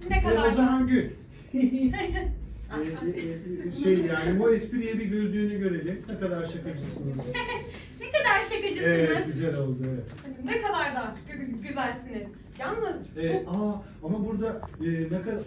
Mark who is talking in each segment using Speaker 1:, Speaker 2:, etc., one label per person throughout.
Speaker 1: Ne kadar
Speaker 2: O zaman gül. Yani bu espriye bir güldüğünü görelim. Ne kadar şakacısınız.
Speaker 3: Ne kadar şakacısınız.
Speaker 2: Evet, güzel oldu. Evet.
Speaker 1: Ne kadar da güzelsiniz. Yalnız bu...
Speaker 2: Ama burada ne kadar...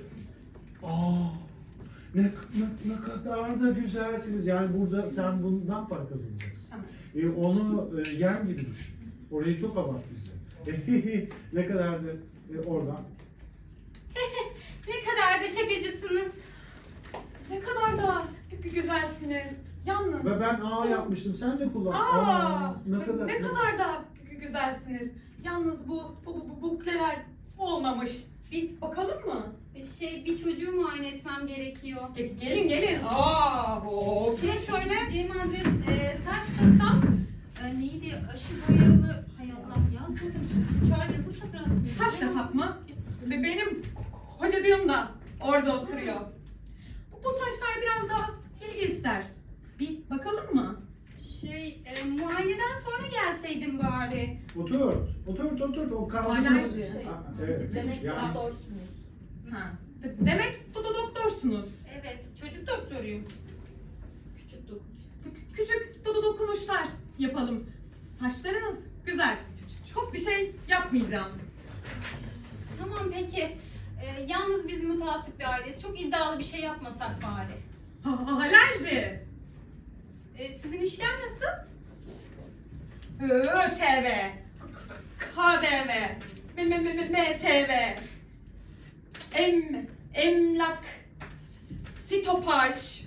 Speaker 2: ne kadar da güzelsiniz. Yani burada sen bundan para kazanacaksın.
Speaker 1: Tamam.
Speaker 2: Onu yem gibi düşün. Orayı çok abart bize. Ne kadar da oradan.
Speaker 3: Ne kadar da şakacısınız.
Speaker 1: Ne kadar da güzelsiniz. Yalnız...
Speaker 2: Ve ben yapmıştım. Sen de kullan.
Speaker 1: Ne kadar da güzelsiniz. Yalnız bu bukleler olmamış. Bir bakalım mı?
Speaker 3: Bir çocuğu muayene etmem gerekiyor.
Speaker 1: Gelin. Şöyle.
Speaker 3: Cem adres taş kasap. Neydi? Aşı boyalı. Hay Allah yazmadım. Uçar yazılsa biraz.
Speaker 1: Taş kasap mı? Benim kocacığım da orada oturuyor. Bu taşlar biraz daha ilgi ister. Bir bakalım mı?
Speaker 3: Muayeneden sonra gelseydin bari.
Speaker 2: Otur. O
Speaker 1: Alerji.
Speaker 2: kaldığımız... Evet.
Speaker 4: Demek ki
Speaker 2: Yani-
Speaker 4: doktorsunuz.
Speaker 1: Ha. Demek bu da doktorsunuz.
Speaker 3: Evet, çocuk doktoruyum.
Speaker 4: Küçük dokun.
Speaker 1: Küçük dokunuşlar yapalım. Saçlarınız güzel. Çok bir şey yapmayacağım.
Speaker 3: Tamam peki. Yalnız biz mutasip bir aileyiz. Çok iddialı bir şey yapmasak bari.
Speaker 1: Alerji.
Speaker 3: Sizin işler nasıl?
Speaker 1: ÖTV. KDV. MTV. Emlak. Sitopaj.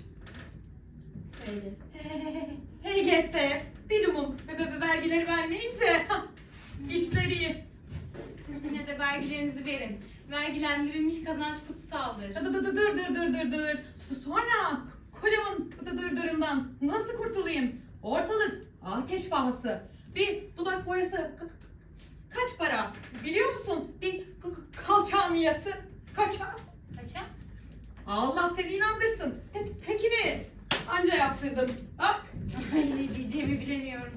Speaker 1: HGS. Bilumum. Vergileri vermeyince işleri iyi.
Speaker 3: Siz yine de vergilerinizi verin. Vergilendirilmiş kazanç kutsaldır.
Speaker 1: Dır. Sonra kocamın dırdırından nasıl kurtulayım? Ortalık ateş pahası. Bir dudak boyası kaç para? Biliyor musun? Bir kalçağın yatı kaça?
Speaker 3: Kaça?
Speaker 1: Allah seni inandırsın. Tekini anca yaptırdım. Bak.
Speaker 3: Ay ne diyeceğimi bilemiyorum.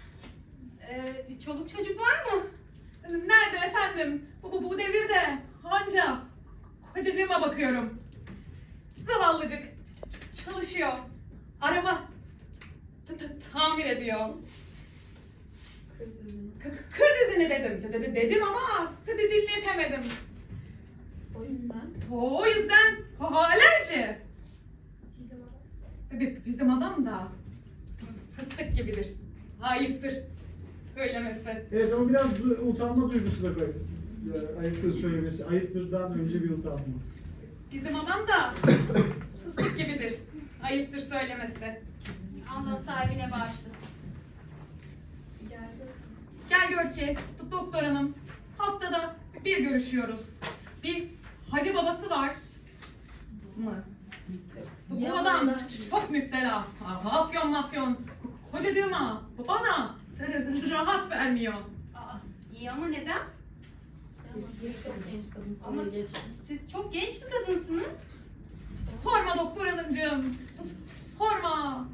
Speaker 3: Çoluk çocuk var mı?
Speaker 1: Nerede efendim? Bu devirde anca kocacığıma bakıyorum. Zavallıcık çalışıyor. Araba tamir ediyor. Kır dizini dedim ama dinletemedim.
Speaker 4: O yüzden
Speaker 1: O yüzden alerji. Bizim adam da fıstık gibidir. Ayıptır söylemesi.
Speaker 2: Evet ama biraz utanma duygusu da koy. Ayıptır söylemesi. Ayıptırdan önce bir utanma.
Speaker 1: Bizim adam da fıstık gibidir. Ayıptır söylemesi.
Speaker 3: Allah sahibine bağışlasın.
Speaker 1: Gel gör ki doktor hanım haftada bir görüşüyoruz. Bir hacı babası var mı? Bu adam çok müptela. Afyon. Kocacığıma, bana rahat vermiyor.
Speaker 3: İyi ama neden?
Speaker 4: siz çok genç kadın
Speaker 3: Ama siz çok genç bir kadınsınız.
Speaker 1: Sorma doktor hanımcığım. Sorma.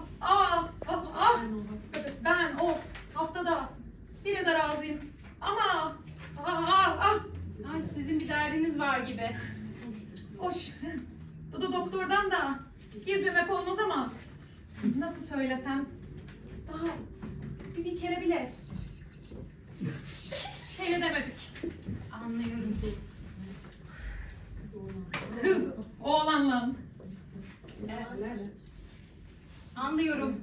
Speaker 1: Ben o haftada bire de razıyım. Ama
Speaker 3: Ay sizin bir derdiniz var gibi.
Speaker 1: hoş. Doktordan da gizlemek olmaz ama nasıl söylesem daha bir kere bile şey edemedik.
Speaker 3: Anlıyorum.
Speaker 1: Kız oğlanla.
Speaker 3: Anlıyorum.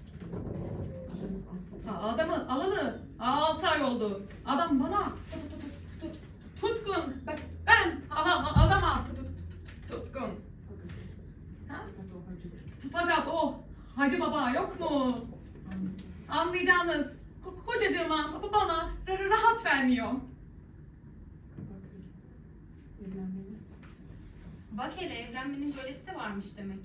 Speaker 1: Adamı alalı 6 ay oldu. Adam bana tutkun. Ben adama tutkun. Ha? Fakat o Hacı Baba yok mu? Anlayacağınız kocacığıma bana rahat vermiyor.
Speaker 3: Bak hele evlenmenin böylesi de varmış demek.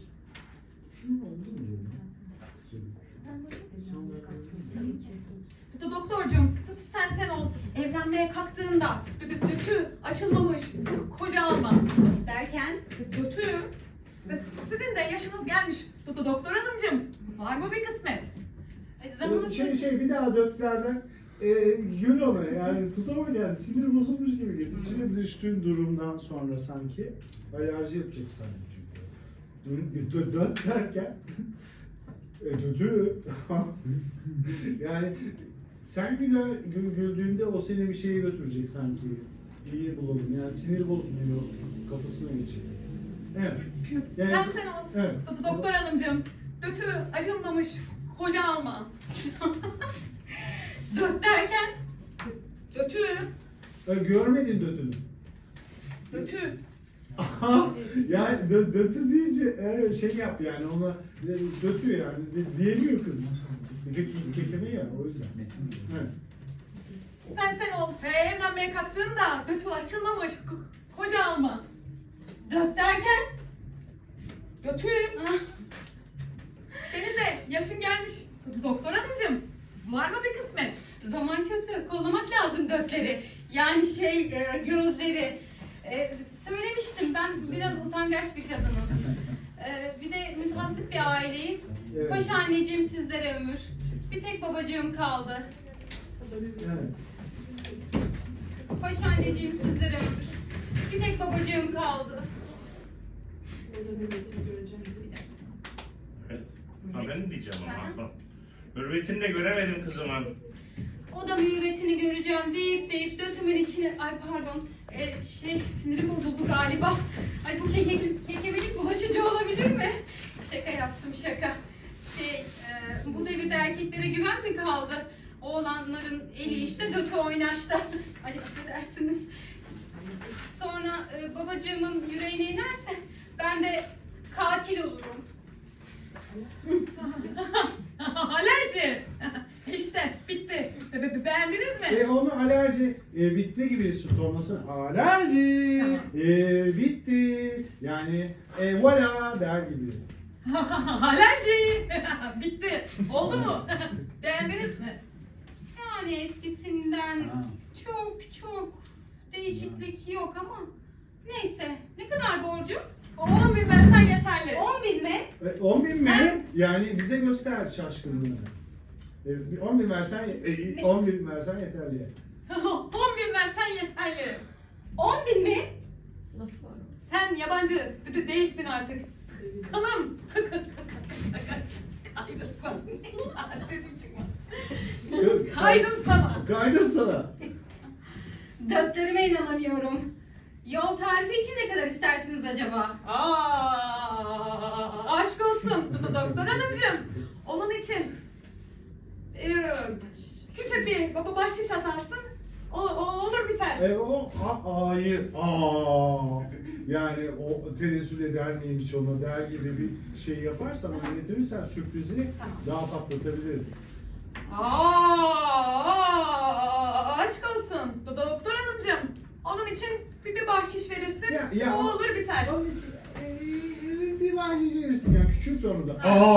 Speaker 1: Doktorcuğum sen ol. Evlenmeye kalktığında dötü açılmamış koca alma.
Speaker 3: Derken
Speaker 1: Dötü. Sizin de yaşınız gelmiş doktor hanımcığım. Var mı bir kısmet?
Speaker 3: zamanında
Speaker 2: Bir daha dörtlerden. gül ona yani tutamadı yani sinir bozulmuş gibi geldi. İçine düştüğün durumdan sonra sanki alerji yapacak sanki çünkü. Dön derken dödü. Yani sen güldüğünde o seni bir şeye götürecek sanki. İyi bulalım yani sinir bozuluyor kafasına geçecek. Evet. Yani,
Speaker 1: Sen ol.
Speaker 2: evet.
Speaker 1: Doktor hanımcığım. Dötü acınmamış. Koca alma.
Speaker 3: Dört derken
Speaker 1: Dötü.
Speaker 2: Görmedin dötünü.
Speaker 1: Dötü.
Speaker 2: Aha, yani dötü deyince şey yap yani ona dötü yani diyemiyor kız. Kekeme ya o yüzden. Evet.
Speaker 1: Sen ol. Evlenmeye kalktığında dötü açılmamış. Koca alma.
Speaker 3: dört derken
Speaker 1: Dötü.
Speaker 3: ah,
Speaker 1: Senin de yaşın gelmiş. Doktor hanımcığım. Var mı bir kısmet?
Speaker 3: zaman kötü. Kollamak lazım dörtleri. Yani gözleri. Söylemiştim ben biraz utangaç bir kadınım. Bir de mütehassıp bir aileyiz.
Speaker 2: Evet.
Speaker 3: Paşa anneciğim sizlere ömür. Bir tek babacığım kaldı.
Speaker 2: Evet.
Speaker 3: Paşa anneciğim sizlere ömür. Bir tek babacığım kaldı.
Speaker 5: Evet. Ha ben diyeceğim
Speaker 3: Hı hı.
Speaker 5: ama. Mürvetini de göremedim kızımın.
Speaker 3: O da mürüvvetini göreceğim deyip dötümün içine... Ay pardon. Sinirim bozuldu galiba. Ay bu kekemelik bulaşıcı olabilir mi? Şaka yaptım şaka. Bu devirde erkeklere güven mi kaldı? Oğlanların eli işte dötü oynaşta. Ay affedersiniz. Sonra babacığımın yüreğine inerse ben de katil olurum.
Speaker 1: Alerji. İşte bitti. Beğendiniz mi?
Speaker 2: Onu alerji bitti gibi süt olmasın. Alerji bitti. Yani voilà der gibi.
Speaker 1: Alerji. Bitti. Oldu mu? Beğendiniz mi?
Speaker 3: Yani eskisinden
Speaker 2: Ha.
Speaker 3: çok değişiklik yok ama neyse. Ne kadar borcum?
Speaker 1: 10.000 versen yeterli.
Speaker 3: 10.000 mi?
Speaker 2: 10.000 mi? Yani bize göster şaşkınlığını. 10.000 versen 10.000 versen yeterli.
Speaker 1: 10.000 versen yeterli.
Speaker 3: 10.000 mi?
Speaker 4: Lafı var.
Speaker 1: Sen yabancı değilsin artık. Kanım. Kaydım sana. Sesim çıkmadı. Kaydım sana.
Speaker 2: Kaydım sana.
Speaker 3: Dörtlerime inanamıyorum. Yol tarifi için ne kadar istersiniz acaba?
Speaker 1: Aşk olsun doktor hanımcığım. Onun için küçük bir bahşiş atarsın. O olur biter.
Speaker 2: Hayır. Yani o tenezzül eder miymiş ona der gibi bir şey yaparsan onu getirirsen sürprizi
Speaker 1: Tamam.
Speaker 2: daha patlatabiliriz.
Speaker 1: Aşk olsun doktor hanımcığım. Onun için bir bahşiş verirsin.
Speaker 2: Ya,
Speaker 1: o olur biter.
Speaker 2: Onun için bir bahşiş verirsin yani küçük onu da.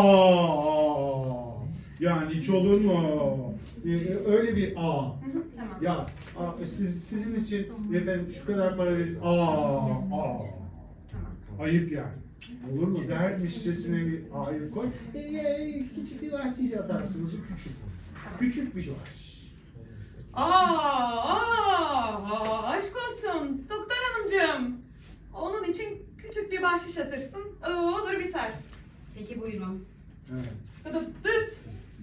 Speaker 2: Yani hiç olur mu? Öyle bir
Speaker 1: Tamam.
Speaker 2: Ya sizin için efendim şu kadar para verin.
Speaker 1: Tamam.
Speaker 2: Ayıp yani. Olur mu? Dermişçesine bir ayıp koy. Küçük bir bahşiş atarsınız küçük. Küçük bir bahşiş.
Speaker 1: Aşk olsun doktor hanımcığım. Onun için küçük bir bahşiş atırsın. Olur biter.
Speaker 3: Peki buyurun.
Speaker 2: Evet.
Speaker 1: Dıt.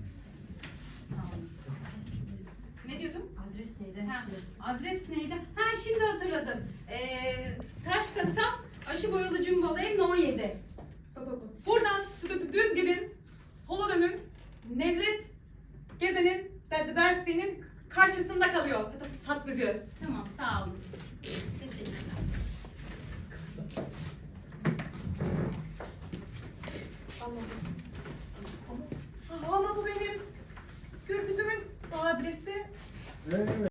Speaker 3: Ne diyordum?
Speaker 4: Adres neydi?
Speaker 3: Ha, adres neydi? Ha şimdi hatırladım. Taş kasap aşı boyalı cumbalı ev No 7.
Speaker 1: Buradan düz gidin. Sola dönün. Necdet Gezen'in dersliğinin karşısında kalıyor tatlıcı.
Speaker 3: Tamam sağ olun. Teşekkürler.
Speaker 1: Ama bu benim Gürbüz'ümün adresi.
Speaker 2: Evet.